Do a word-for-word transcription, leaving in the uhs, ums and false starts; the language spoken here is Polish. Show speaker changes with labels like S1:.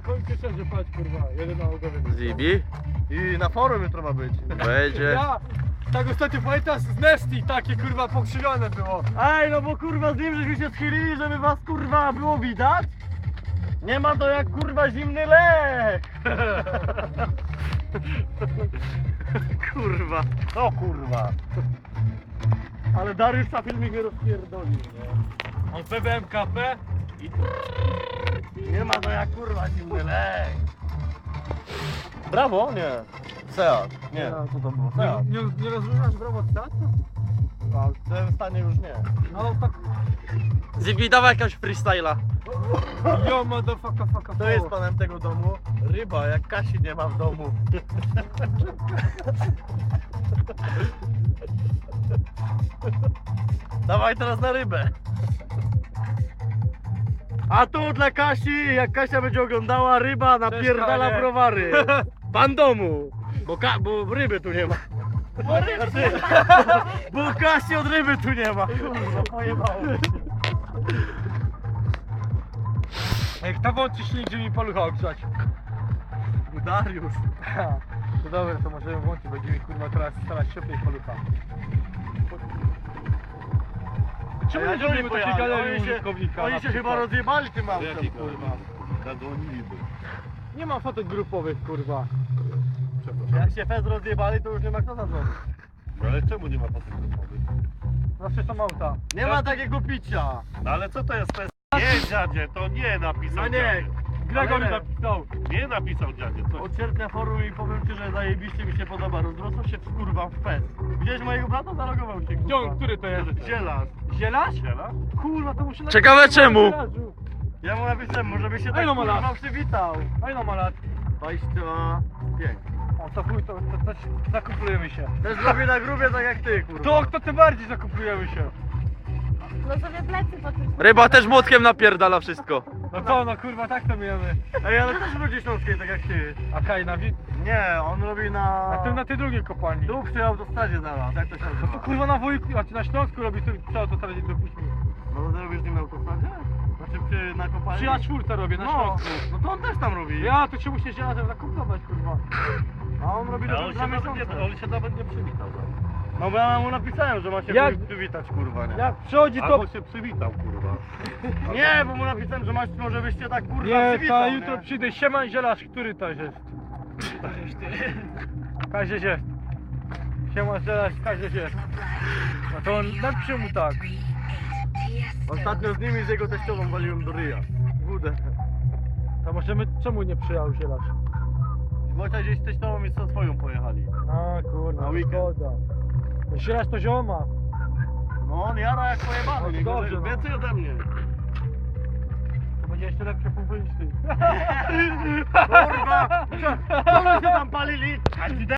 S1: Na końcu wszędzie patrz, kurwa, jeden na ogowie.
S2: Zibi?
S3: I na forum jutro ma być.
S2: Będzie.
S1: Ja, tak ostatnio pamiętasz z Nesty takie kurwa pokrzywione było.
S3: Ej, no bo kurwa z nim żeśmy się schylili, żeby was kurwa było widać. Nie ma to jak kurwa zimny lek. Kurwa, o kurwa. Ale Dariusz na filmik mnie rozpierdolił, nie?
S1: On P B M K P i
S3: Nie ma to jak kurwa zimny lek. Brawo? Nie. Seat. Nie, co to było? Seat.
S1: nie, nie, nie rozróżniasz brawo statu?
S3: A w tym stanie już nie.
S1: No tak.
S2: Zibi, dawaj jakąś freestyla.
S1: Yo motherfucker fucker.
S3: To jest panem tego domu ryba, jak Kasi nie ma w domu. Dawaj teraz na rybę. A tu dla Kasi, jak Kasia będzie oglądała, ryba napierdala
S1: Kanie.
S3: browary. Pan domu. Bo, ka bo ryby tu nie ma. Znaczy, bo Kasi od ryby tu nie ma. Kurwa, pojebało.
S1: Ej, kto włączy silnik, żeby mi palucha ogrzać?
S3: Dariusz.
S1: To dobra, to możemy włączyć, będziemy kurwa teraz starać się cieplej palucha. Czemu
S3: A
S1: nie
S3: jak
S1: zrobimy
S3: oni
S1: takiej
S3: pojechali?
S1: galerii
S3: Oni się-
S1: użytkownika?
S3: Oni
S1: na
S3: się
S1: przykład?
S3: chyba rozjebali tym autem,
S4: Jaki
S3: kurwa.
S4: Zadzwoniliby.
S1: Nie ma fotek grupowych, kurwa.
S4: Przepraszam.
S3: Jak się fez rozjebali, to już nie ma kto zadzwonić.
S4: No ale czemu nie ma fotografowych?
S1: Zawsze są auta.
S3: Nie ma takiego picia.
S4: No ale co to jest fest? Nie dziadzie, to nie napisał
S3: A nie,
S4: dziadzie.
S1: Gregory
S3: Ale-
S1: napisał.
S4: Nie napisał dziadzie, co?
S3: Od sierpnia forum i powiem ci, że zajebiście mi się podoba. Rozrosło się kurwa w fez. Widziałeś mojego brata? Zalogował się,
S1: Gdzie on,
S3: kurwa.
S1: który to jest?
S3: Zielarz.
S1: Zielaś?
S4: Ziela?
S1: Kurwa, to musi
S2: Ciekawe
S1: napisać
S2: czemu?
S1: na garażu.
S3: Ja mu napisałem, może by się
S1: A
S3: tak
S1: ile ma
S3: kurwa
S1: lat?
S3: przywitał.
S1: A ile ma lat?
S3: dwadzieścia pięć.
S1: O, to chuj, to, to, to zakuplujemy się.
S3: Też robi na grubie tak jak ty, kurwa.
S1: To, to tym bardziej zakuplujemy się.
S5: No sobie plecy podpisz.
S2: Ryba też młotkiem napierdala wszystko.
S1: No co, no kurwa, tak to mijamy.
S3: Ej, ale też ludzi śląskiej tak jak ty.
S1: A Kaj na wi...
S3: Nie, on robi na...
S1: Na tym, na tej drugiej kopalni.
S3: Tu przy autostradzie zaraz, jak to się
S1: No
S3: nazywa?
S1: to kurwa na wujku, a ty na Śląsku robisz, to przy autostradzie dopuść mi.
S3: No to ty robisz z nim na autostradzie? Znaczy przy, na kopalni?
S1: Przy A cztery robię, na
S3: No,
S1: Śląsku.
S3: no to on też tam robi.
S1: Ja, to się musisz się razem zakuplować, kurwa.
S3: A on robi
S4: A
S3: do
S4: on się,
S3: dwa
S4: nawet
S3: miesiące.
S4: nie, on się nawet nie przywitał.
S3: No bo ja mu napisałem, że ma się
S1: Jak-
S3: jak... przywitać, kurwa, nie?
S1: Jak przychodzi to...
S4: Albo się przywitał, kurwa.
S3: Nie, bo mu napisałem, że masz, może byście tak kurwa
S1: Nie,
S3: przywitał,
S1: ta
S3: nie?
S1: jutro przyjdę. Siema Zielasz, który to jest? Kazieś jest. Siema Zielasz, Kazieś jest. No to on napisze mu tak.
S3: Ostatnio z nim i z jego teściową waliłem do ryja. Wódę.
S1: To możemy, czemu nie przyjechał Zielasz?
S3: Wojciech gdzieś z teściową i co swoją pojechali.
S1: A kurwa,
S3: Na weekend.
S1: szkoda. Zielasz to zioma.
S3: No on jara jak pojebany,
S1: No
S3: nie
S1: dobrze,
S3: gorzej,
S1: no.
S3: więcej ode mnie.
S1: To będzie jeszcze lepsze pół niż ty.
S3: Kurwa! Co wy się tam palili? A ci